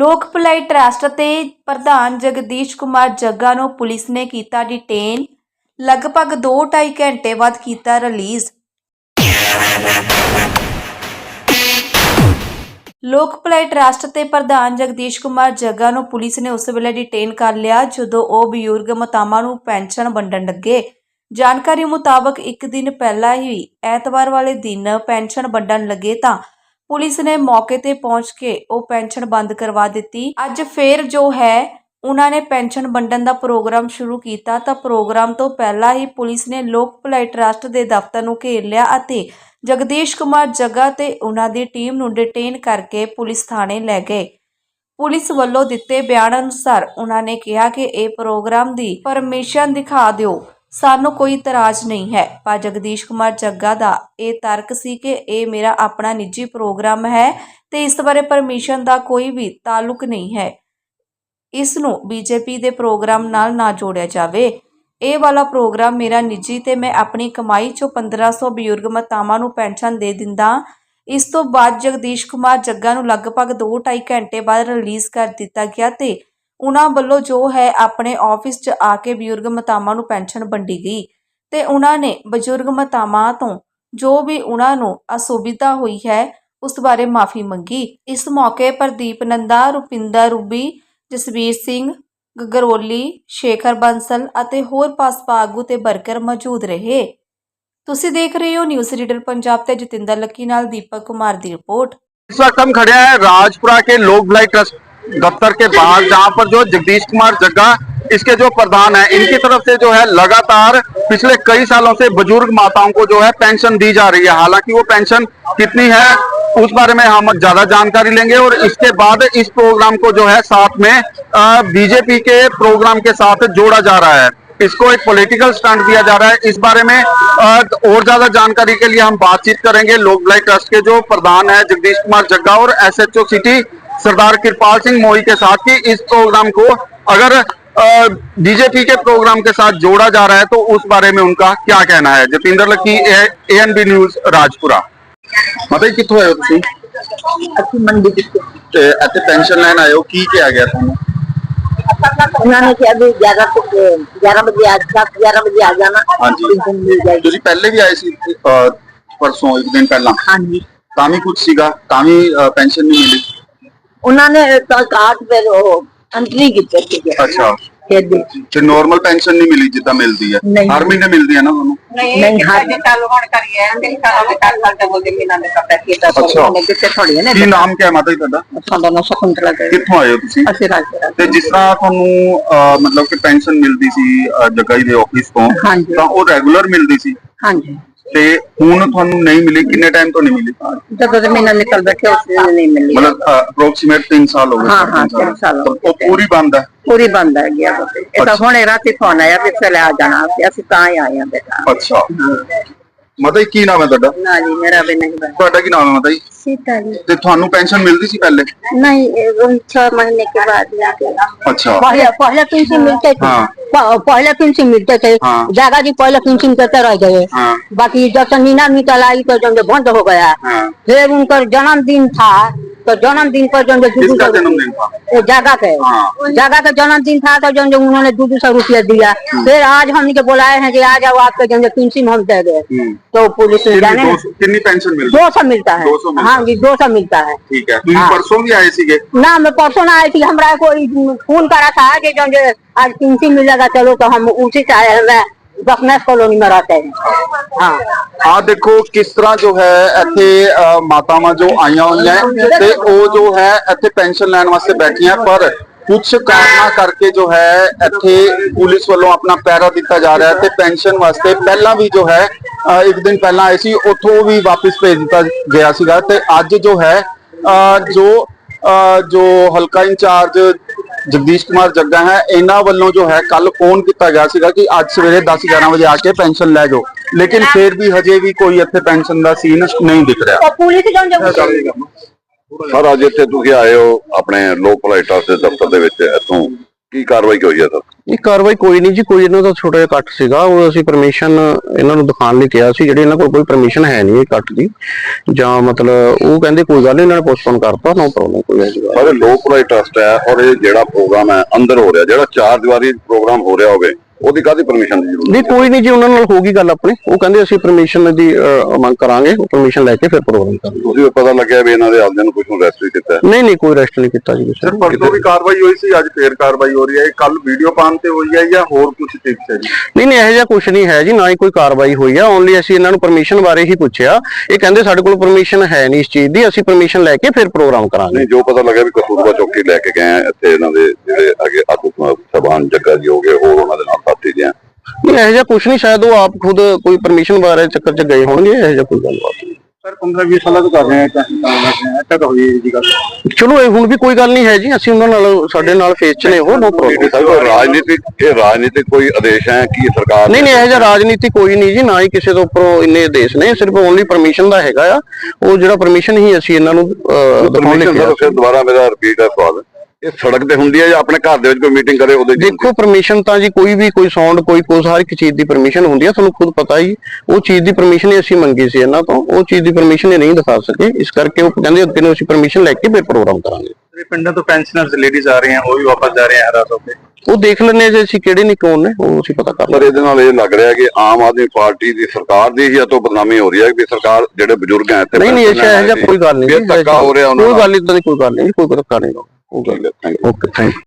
ਲੋਕ ਭਲਾਈ ਟਰੱਸਟ ਤੇ ਪ੍ਰਧਾਨ ਜਗਦੀਸ਼ ਕੁਮਾਰ ਜੱਗਾ ਨੂੰ ਪੁਲਿਸ ਨੇ ਕੀਤਾ ਡਿਟੇਨ। ਲਗਭਗ 2-2.5 ਘੰਟੇ ਬਾਅਦ ਕੀਤਾ ਰਿਲੀਜ਼। ਲੋਕ ਭਲਾਈ ਟਰੱਸਟ ਤੇ ਪ੍ਰਧਾਨ ਜਗਦੀਸ਼ ਕੁਮਾਰ ਜੱਗਾ ਨੂੰ ਪੁਲਿਸ ਨੇ ਉਸ ਵੇਲੇ ਡਿਟੇਨ ਕਰ ਲਿਆ ਜਦੋਂ ਉਹ ਬਜ਼ੁਰਗ ਮਾਤਾਵਾਂ ਨੂੰ ਪੈਨਸ਼ਨ ਵੰਡਣ ਲੱਗੇ। ਜਾਣਕਾਰੀ ਮੁਤਾਬਕ ਇੱਕ ਦਿਨ ਪਹਿਲਾਂ ਹੀ ਐਤਵਾਰ ਵਾਲੇ ਦਿਨ ਪੈਨਸ਼ਨ ਵੰਡਣ ਲੱਗੇ ਤਾਂ ਪੁਲਿਸ ਨੇ ਮੌਕੇ ਤੇ ਪਹੁੰਚ ਕੇ ਉਹ ਪੈਨਸ਼ਨ ਬੰਦ ਕਰਵਾ ਦਿੱਤੀ। ਅੱਜ ਫੇਰ ਜੋ ਹੈ ਉਹਨਾਂ ਨੇ ਪੈਨਸ਼ਨ ਵੰਡਣ ਦਾ ਪ੍ਰੋਗਰਾਮ ਸ਼ੁਰੂ ਕੀਤਾ ਤਾਂ ਪ੍ਰੋਗਰਾਮ ਤੋਂ ਪਹਿਲਾਂ ਹੀ ਪੁਲਿਸ ਨੇ ਲੋਕ ਭਲਾਈ ਟਰੱਸਟ ਦੇ ਦਫ਼ਤਰ ਨੂੰ ਘੇਰ ਲਿਆ ਅਤੇ ਜਗਦੀਸ਼ ਕੁਮਾਰ ਜੱਗਾ ਤੇ ਉਹਨਾਂ ਦੀ ਟੀਮ ਨੂੰ ਡਿਟੇਨ ਕਰਕੇ ਪੁਲਿਸ ਥਾਣੇ ਲੈ ਗਏ। ਪੁਲਿਸ ਵੱਲੋਂ ਦਿੱਤੇ ਬਿਆਨ ਅਨੁਸਾਰ ਉਹਨਾਂ ਨੇ ਕਿਹਾ ਕਿ ਇਹ ਪ੍ਰੋਗਰਾਮ ਦੀ ਪਰਮਿਸ਼ਨ ਦਿਖਾ ਦਿਓ, ਸਾਨੂੰ ਕੋਈ ਇਤਰਾਜ਼ ਨਹੀਂ ਹੈ। ਪਰ ਜਗਦੀਸ਼ ਕੁਮਾਰ ਜੱਗਾ ਦਾ ਇਹ ਤਰਕ ਸੀ ਕਿ ਇਹ ਮੇਰਾ ਆਪਣਾ ਨਿੱਜੀ ਪ੍ਰੋਗਰਾਮ ਹੈ ਤੇ ਇਸ ਬਾਰੇ ਪਰਮਿਸ਼ਨ ਦਾ ਕੋਈ ਵੀ ਤਾਲੁਕ ਨਹੀਂ ਹੈ। ਇਸ ਨੂੰ ਬੀਜੇਪੀ ਦੇ ਪ੍ਰੋਗਰਾਮ ਨਾਲ ਨਾ ਜੋੜਿਆ ਜਾਵੇ। ਇਹ ਵਾਲਾ ਪ੍ਰੋਗਰਾਮ ਮੇਰਾ ਨਿੱਜੀ ਤੇ ਮੈਂ ਆਪਣੀ ਕਮਾਈ ਚੋਂ 1500 ਬਜ਼ੁਰਗ ਮਾਤਾਵਾਂ ਨੂੰ ਪੈਨਸ਼ਨ ਦੇ ਦਿੰਦਾ। ਇਸ ਤੋਂ ਬਾਅਦ ਜਗਦੀਸ਼ ਕੁਮਾਰ ਜੱਗਾ ਨੂੰ ਲਗਭਗ 2-2.5 ਘੰਟੇ ਬਾਅਦ ਰਿਲੀਜ਼ ਕਰ ਦਿੱਤਾ ਗਿਆ ਤੇ ਉਹਨਾਂ ਵੱਲੋਂ ਜੋ ਹੈ ਆਪਣੇ ਆਫਿਸ 'ਚ ਆ ਕੇ ਬਜ਼ੁਰਗ ਮਾਤਾਵਾਂ ਨੂੰ ਪੈਨਸ਼ਨ ਵੰਡੀ ਗਈ ਤੇ ਉਹਨਾਂ ਨੇ ਬਜ਼ੁਰਗ ਮਾਤਾਵਾਂ ਤੋਂ ਜੋ ਵੀ ਉਹਨਾਂ ਨੂੰ ਅਸੁਵਿਧਾ ਹੋਈ ਹੈ ਉਸ ਬਾਰੇ ਮਾਫੀ ਮੰਗੀ। ਇਸ ਮੌਕੇ ਪ੍ਰਦੀਪ ਨੰਦਾ, ਰੁਪਿੰਦਰ ਰੂਬੀ, ਜਸਵੀਰ ਸਿੰਘ ਗਗਰੋਲੀ, ਸ਼ੇਖਰ ਬੰਸਲ ਅਤੇ ਹੋਰ ਭਾਜਪਾ ਆਗੂ ਤੇ ਵਰਕਰ ਮੌਜੂਦ ਰਹੇ। ਤੁਸੀਂ ਦੇਖ ਰਹੇ ਹੋ ਨਿਊਜ਼ रीडर पंजाब ਤੇ ਜਤਿੰਦਰ ਲੱਕੀ ਨਾਲ दीपक कुमार ਦੀ रिपोर्ट। इस वक्त हम खड़े हैं राजपुरा के लोक भलाई ट्रस्ट दफ्तर के बाहर, जहां पर जो जगदीश कुमार जग्गा इसके जो प्रधान है, इनकी तरफ से जो है लगातार पिछले कई सालों से बुजुर्ग माताओं को जो है पेंशन दी जा रही है। हालांकि वो पेंशन कितनी है उस बारे में हम ज्यादा जानकारी लेंगे और इसके बाद इस प्रोग्राम को जो है साथ में बीजेपी के प्रोग्राम के साथ जोड़ा जा रहा है। इसको एक पॉलिटिकल स्टंट दिया जा रहा है। इस बारे में और ज्यादा जानकारी के लिए हम बातचीत करेंगे लोक भलाई ट्रस्ट के जो प्रधान है जगदीश कुमार जग्गा और SHO सिटी सरदार कृपाल सिंह मोई के साथ कि इस प्रोग्राम को अगर बीजेपी के प्रोग्राम के साथ जोड़ा जा रहा है तो उस बारे में उनका क्या कहना है। Jatinder Lucky, ANB news Rajpura. मतलब कितों आए हो तुसी? मंडी ते इत्थे पेंशन लैन आए हो, की क्या गया तुहानू? उन्होंने कहा भी 11 बजे आज 11 बजे आ जाना। हाँ जी, पेंशन मिल जाएगी। तुसी पहले भी आए सी परसों एक दिन पहला? हाँ जी, ਤਾਂ ਵੀ ਕੁਝ ਸੀਗਾ, ਤਾਂ ਵੀ ਪੈਨਸ਼ਨ ਨਹੀਂ ਮਿਲੀ। उन्होंने कार्ड पे एंट्री की थी। ਅੱਛਾ, फिर भी ਤੇ ਨਾਰਮਲ ਪੈਨਸ਼ਨ ਨਹੀਂ ਮਿਲੀ ਜਿੱਦਾਂ ਮਿਲਦੀ ਹੈ? ਨਹੀਂ। ਹਰ ਮਹੀਨੇ ਮਿਲਦੀ ਹੈ ਨਾ ਤੁਹਾਨੂੰ? नहीं हर थोड़ी है ना। ਕੀ ਨਾਮ ਕਿਆ ਹੈ ਮਾਤਾ ਜੀ ਤੁਹਾਡਾ? साडा नाम शकुंतला है। ਕਿੱਥੋਂ ਆਏ ਹੋ ਤੁਸੀਂ? ਅਸੀਂ ਰਾਜਪੁਰਾ ਤੇ ਜਿਸ ਤਰ੍ਹਾਂ ਤੁਹਾਨੂੰ ਮਤਲਬ ਕਿ ਪੈਨਸ਼ਨ ਮਿਲਦੀ ਸੀ ਜੱਗਾ ਜੀ ਦੇ ਆਫਿਸ ਤੋਂ, ਹਾਂਜੀ। ਤਾਂ ਉਹ ਰੈਗੂਲਰ ਮਿਲਦੀ ਸੀ हाँ जी, ਤੇ ਹੁਣ ਤੁਹਾਨੂੰ ਨਹੀਂ ਮਿਲੀ, ਕਿੰਨੇ ਟਾਈਮ ਤੋਂ ਨਹੀਂ ਮਿਲੀ? जब तो महीना निकल बैठे उस दिन नहीं मिली। मतलब अप्रोक्सीमेट 3 साल हो गए। हाँ, हाँ, 3 साल हो तो पूरी बंद है? पूरी बंद है गया। ये तो हुणे राती फोन आया भी चले आ जाना, ਅਸੀਂ ਤਾਂ ਹੀ ਆਏ ਆ बेटा। ਅੱਛਾ, ਮਾਤਾ ਜੀ ਕੀ ਨਾਮ ਹੈ ਤੁਹਾਡਾ? ना जी, मेरा भी नहीं बना। ਤੁਹਾਡਾ ਕੀ ਨਾਮ ਹੈ ਮਾਤਾ ਜੀ? सीता जी ਤੇ ਤੁਹਾਨੂੰ ਪੈਨਸ਼ਨ ਮਿਲਦੀ ਸੀ ਪਹਿਲੇ? नहीं, 6 महीने के बाद जाके अच्छा, पहले पेंशन मिलते थे। हाँ। पहले पेंशन मिलते थे। हाँ। जागा जी पहले पेंशन करते रह गए। हाँ। बाकी जब से नीना निकल आई तो जो बंद हो गया। हाँ। फिर उनका जन्मदिन था तो जन्मदिन पर जो किसका जन्मदिन था? जागा के। हाँ। जागा का जन्मदिन था तो जो उन्होंने 200 रुपया दिया। फिर आज हम बुलाए हैं कि आ जाओ आपके जो पेंशन हम दे गए। तो पुलिस जाने कितनी पेंशन मिलती? 200 मिलता है। 200 मिलता हाँ जी, 200 मिलता है। ठीक है। तुम हाँ। परसों भी आए सीगे? ना, मैं परसों ना आई थी। हमरा कोई फोन करा था कि जो आज पेंशन मिलेगा, चलो तो हम उसी से आए हैं। बसनेस कॉलोनी में रहते हैं। हाँ, ਆ ਦੇਖੋ ਕਿਸ ਤਰ੍ਹਾਂ ਜੋ ਹੈ ਇੱਥੇ ਮਾਤਾਵਾਂ ਜੋ ਆਈਆਂ ਹੋਈਆਂ ਤੇ ਉਹ ਜੋ ਹੈ ਇੱਥੇ ਪੈਨਸ਼ਨ ਲੈਣ ਵਾਸਤੇ ਬੈਠੀਆਂ, ਪਰ ਕੁਝ ਕਾਰਨਾਂ ਕਰਕੇ ਜੋ ਹੈ ਇੱਥੇ ਪੁਲਿਸ ਵੱਲੋਂ ਆਪਣਾ ਪਹਿਰਾ ਦਿੱਤਾ ਜਾ ਰਿਹਾ ਹੈ ਤੇ ਪੈਨਸ਼ਨ ਵਾਸਤੇ ਪਹਿਲਾਂ ਵੀ ਜੋ ਹੈ ਇੱਕ ਦਿਨ ਪਹਿਲਾਂ ਆਏ ਸੀ, ਉੱਥੋਂ ਵੀ ਵਾਪਸ ਭੇਜ ਦਿੱਤਾ ਗਿਆ ਸੀਗਾ। ਤੇ ਅੱਜ ਜੋ ਹੈ ਜੋ ਹਲਕਾ ਇੰਚਾਰਜ जगदीश कुमार जग्गा है, इन्हां वालों जो है कल फोन किया गया सीगा कि आज सवेरे 10-11 बजे आके पेंशन लै जाओ, लेकिन फिर भी हजे भी कोई इत्थे पेंशन दा सीन नहीं दिख रहा। सर अज इत्थे तुसीं आए हो अपने लोक भलाई ट्रस्ट दे दफ्तर दे विच, इत्थों ਕੀ ਕਾਰਵਾਈ ਹੋਈ ਹੈ ਸਰ? ਇਹ ਕਾਰਵਾਈ ਕੋਈ ਨਹੀਂ ਜੀ, ਕੋਈ ਇਹਨਾਂ ਦਾ ਛੋਟਾ ਜਿਹਾ ਕੱਟ ਸੀਗਾ, ਉਹ ਅਸੀਂ ਪਰਮਿਸ਼ਨ ਇਹਨਾਂ ਨੂੰ ਦਿਖਾਉਣ ਲਈ ਕਿਹਾ ਸੀ, ਜਿਹੜੇ ਇਹਨਾਂ ਕੋਲ ਕੋਈ ਪਰਮਿਸ਼ਨ ਹੈ ਨਹੀਂ ਇਹ ਕੱਟ ਦੀ, ਜਾਂ ਮਤਲਬ ਉਹ ਕਹਿੰਦੇ ਕੋਈ ਗੱਲ ਨਹੀਂ, ਇਹਨਾਂ ਨੇ ਪੋਸਟਪੋਨ ਕਰਤਾ, ਨੋ ਪ੍ਰੋਬਲਮ, ਕੋਈ ਐਸੀ ਗੱਲ ਪਰ ਲੋਕ ਭਲਾਈ ਟਰਸਟ ਹੈ ਔਰ ਇਹ ਜਿਹੜਾ ਪ੍ਰੋਗਰਾਮ ਹੈ ਅੰਦਰ ਹੋ ਰਿਹਾ, ਜਿਹੜਾ 4 ਦੀਵਾਰੀ ਪ੍ਰੋਗਰਾਮ ਹੋ ਰਿਹਾ ਹੋਵੇ, ਉਹਦੀ ਕਾਹਦੀ ਪਰਮਿਸ਼ਨ ਦੀ ਜ਼ਰੂਰਤ? ਨਹੀਂ, ਕੋਈ ਨਹੀਂ ਜੀ, ਉਹਨਾਂ ਨਾਲ ਹੋਗੀ ਗੱਲ ਆਪਣੀ, ਉਹ ਕਹਿੰਦੇ ਅਸੀਂ ਪਰਮਿਸ਼ਨ ਦੀ ਮੰਗ ਕਰਾਂਗੇ, ਉਹ ਪਰਮਿਸ਼ਨ ਲੈ ਕੇ ਫਿਰ ਪ੍ਰੋਗਰਾਮ ਕਰਾਂਗੇ। ਤੁਸੀਂ ਪਤਾ ਲੱਗਿਆ ਵੀ ਇਹਨਾਂ ਦੇ ਆਪਦਿਆਂ ਨੂੰ ਕੁਝ ਨੂੰ ਅਰੈਸਟ ਵੀ ਕੀਤਾ ਹੈ? ਨਹੀਂ ਨਹੀਂ, ਕੋਈ ਅਰੈਸਟ ਨਹੀਂ ਕੀਤਾ ਜੀ ਕਿਸੇ ਸਰ ਪਰਸੋਂ ਵੀ ਕਾਰਵਾਈ ਹੋਈ ਸੀ, ਅੱਜ ਫੇਰ ਕਾਰਵਾਈ ਹੋ ਰਹੀ ਹੈ, ਕੱਲ ਵੀਡੀਓ ਪਾਉਣ ਤੇ ਹੋਈ ਹੈ ਜਾਂ ਹੋਰ ਕੁਝ ਟਿਪਸ ਹੈ ਜੀ? ਨਹੀਂ ਨਹੀਂ, ਇਹੋ ਜਿਹਾ ਕੁਝ ਨਹੀਂ ਹੈ ਜੀ, ਨਾ ਹੀ ਕੋਈ ਕਾਰਵਾਈ ਹੋਈ ਆ, ਓਨਲੀ ਅਸੀਂ ਇਹਨਾਂ ਨੂੰ ਪਰਮਿਸ਼ਨ ਬਾਰੇ ਹੀ ਪੁੱਛਿਆ, ਇਹ ਕਹਿੰਦੇ ਸਾਡੇ ਕੋਲ ਪਰਮਿਸ਼ਨ ਹੈ ਨਹੀਂ ਇਸ ਚੀਜ਼ ਦੀ, ਅਸੀਂ ਪਰਮਿਸ਼ਨ ਲੈ ਕੇ ਫਿਰ ਪ੍ਰੋਗਰਾਮ ਕਰਾਂਗੇ। ਨਹੀਂ, ਜੋ ਪਤਾ ਲੱਗਿਆ ਵੀ ਕਸੂਰਬਾ ਚੌਕੀ ਲੈ ਕੇ ਗਏ ਆ, ਇੱਥੇ ਇਹਨਾਂ ਦੇ ਜਿਹੜੇ ਅੱਗੇ ਆਗੂ ਸਭਾਨ ਜੱਗਾ ਜੀ ਹੋ ਗਏ, ਹੋਰ ਉਹਨਾਂ ਦੇ ਨਾਲ ਸਾਥੀ ਜੀ ਆ। ਨਹੀਂ, ਇਹੋ ਜਿਹਾ ਕੁਝ ਨਹੀਂ, ਸ਼ਾਇਦ ਉਹ ਆਪ ਖੁਦ ਕੋਈ ਪਰਮਿਸ਼ਨ ਬਾਰੇ ਚੱਕਰ 'ਚ ਗਏ ਹੋਣਗੇ, ਇਹੋ ਜਿਹਾ ਕੋਈ ਗੱਲਬਾਤ ਨਹੀਂ। ਸਰ 15-20 ਸਾਲਾਂ ਤੋਂ ਕਰ ਰਹੇ ਆ ਤਾਂ ਹੋਈ ਜੀ ਗੱਲ। ਚਲੋ ਇਹ ਹੁਣ ਵੀ ਕੋਈ ਗੱਲ ਨਹੀਂ ਹੈ ਜੀ, ਅਸੀਂ ਉਹਨਾਂ ਨਾਲ, ਸਾਡੇ ਨਾਲ ਫੇਸ 'ਚ ਨੇ ਉਹ, ਨੋ ਪ੍ਰੋਬਲਮ। ਰਾਜਨੀਤਿਕ ਕੋਈ ਆਦੇਸ਼ ਹੈ ਕਿ ਸਰਕਾਰ? ਨਹੀਂ ਨਹੀਂ, ਇਹੋ ਜਿਹਾ ਰਾਜਨੀਤੀ ਕੋਈ ਨਹੀਂ ਜੀ, ਨਾ ਹੀ ਕਿਸੇ ਤੋਂ ਉੱਪਰੋਂ ਇੰਨੇ ਆਦੇਸ਼ ਨੇ, ਸਿਰਫ ਓਨਲੀ ਪਰਮਿਸ਼ਨ ਦਾ ਹੈਗਾ ਆ, ਉਹ ਜਿਹੜਾ ਪਰਮਿਸ਼ਨ ਹੀ ਅਸੀਂ ਇਹਨਾਂ ਨੂੰ ਦਿਖਾਉਣ ਲਈ ਕਿਹਾ। ਫਿਰ ਦੁਬਾਰਾ ਮੇਰਾ ਰਿਪੀਟ ਹੈ ਸਵਾਲ, ਇਹ ਸੜਕ ਤੇ ਹੁੰਦੀ ਹੈ ਜਾਂ ਆਪਣੇ ਘਰ ਦੇ ਵਿੱਚ ਕੋਈ ਮੀਟਿੰਗ ਕਰੇ ਉਹਦੇ? ਦੇਖੋ, ਪਰਮਿਸ਼ਨ ਤਾਂ ਜੀ ਕੋਈ ਵੀ, ਕੋਈ ਸਾਊਂਡ, ਕੋਈ ਹਰ ਇੱਕ ਚੀਜ਼ ਦੀ ਪਰਮਿਸ਼ਨ ਹੁੰਦੀ ਹੈ, ਤੁਹਾਨੂੰ ਖੁਦ ਪਤਾ ਹੀ, ਉਹ ਚੀਜ਼ ਦੀ ਪਰਮਿਸ਼ਨ ਹੀ ਅਸੀਂ ਮੰਗੀ ਸੀ ਇਹਨਾਂ ਤੋਂ, ਉਹ ਚੀਜ਼ ਦੀ ਪਰਮਿਸ਼ਨ ਇਹ ਨਹੀਂ ਦਿਖਾ ਸਕੇ, ਇਸ ਕਰਕੇ ਉਹ ਕਹਿੰਦੇ ਅੱਗੇ ਨੂੰ ਅਸੀਂ ਪਰਮਿਸ਼ਨ ਲੈ ਕੇ ਫਿਰ ਪ੍ਰੋਗਰਾਮ ਕਰਾਂਗੇ। ਪਿੰਡਾਂ ਤੋਂ ਪੈਨਸ਼ਨਰਸ ਲੇਡੀਜ਼ ਆ ਰਹੇ ਹਨ, ਉਹ ਵੀ ਵਾਪਸ ਜਾ ਰਹੇ ਹਨ ਹਰਾਸ ਹੋ ਕੇ। ਉਹ ਦੇਖ ਲੈਣੇ ਜੇ ਅਸੀਂ ਕਿਹੜੇ ਨਹੀਂ ਕੌਣ ਨੇ, ਉਹ ਅਸੀਂ ਪਤਾ ਕਰ ਪਰ ਇਹਦੇ ਨਾਲ ਇਹ ਲੱਗ ਰਿਹਾ ਕਿ ਆਮ ਆਦਮੀ ਪਾਰਟੀ ਦੀ ਸਰਕਾਰ ਦੀ ਹੀ ਤੋਂ ਬਦਨਾਮੀ ਹੋ ਰਹੀ ਹੈ ਕਿ ਸਰਕਾਰ ਜਿਹੜੇ ਬਜ਼ੁਰਗ ਹੈ ਇੱਥੇ ਨਹੀਂ ਨਹੀਂ, ਇਹੋ ਜਿਹਾ ਕੋਈ ਗੱਲ ਨਹੀਂ, ਧੱਕਾ ਹੋ ਰਿਹਾ ਉਹਨਾਂ ਕੋਈ ਨਾਲ। ਗੱਲ ਇਦਾਂ ਦੀ ਕੋਈ ਗੱਲ ਨਹੀਂ, ਕੋਈ ਧੱਕਾ ਨਹੀਂ, ਉਹ ਗੱਲ। ਠੀਕ ਹੈ, thank you. Okay, thank you.